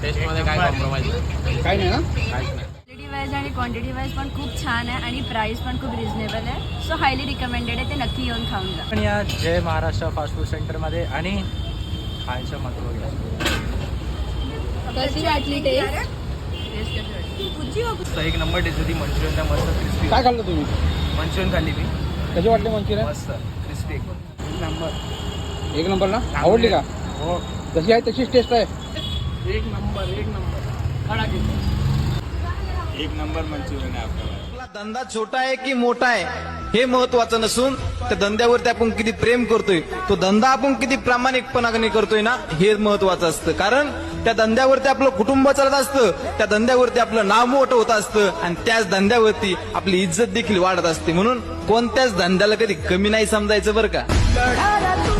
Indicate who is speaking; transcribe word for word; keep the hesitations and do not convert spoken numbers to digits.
Speaker 1: Taste मध्ये काय compromise
Speaker 2: काय नाही ना.
Speaker 1: काहीच नाही.
Speaker 3: क्वालिटी वाईज आणि क्वांटिटी वाईज पण खूप छान आहे आणि प्राइस पण खूप रिझनेबल आहे. सो हायली रिकमेंडेड आहे, ते नक्की येऊन खाऊन जा.
Speaker 4: पण या जय महाराष्ट्र फास्ट फूड सेंटरमध्ये आणि खायचं महत्त्व घ्या.
Speaker 3: कशी वाटली टेस्ट?
Speaker 4: एक नंबर टेस्ट होती. मंचुरियन मस्त क्रिस्पी.
Speaker 2: काय खाल्लं तुम्ही?
Speaker 4: मंचुरियन खाल्ली मी.
Speaker 2: कशी वाटली मंचुरियन?
Speaker 4: मस्त क्रिस्पी एक नंबर.
Speaker 2: एक नंबर ना. आवडली का?
Speaker 4: हो.
Speaker 2: जशी आहे तशीच टेस्ट आहे.
Speaker 4: एक नंबर एक नंबर.
Speaker 5: एक नंबर मंचुरियन आहे आपल्याला.
Speaker 6: आपला धंदा छोटा आहे की मोठा आहे हे महत्वाचं नसून त्या धंद्यावरती आपण किती प्रेम करतोय, तो धंदा आपण किती प्रामाणिकपणाने करतोय ना हे महत्वाचं असतं. कारण त्या धंद्यावरती आपलं कुटुंब चालत असतं, त्या धंद्यावरती आपलं नाव मोठं होत असतं आणि त्याच धंद्यावरती आपली इज्जत देखील वाढत असते. म्हणून कोणत्याच धंद्याला कधी कमी नाही समजायचं बरं का.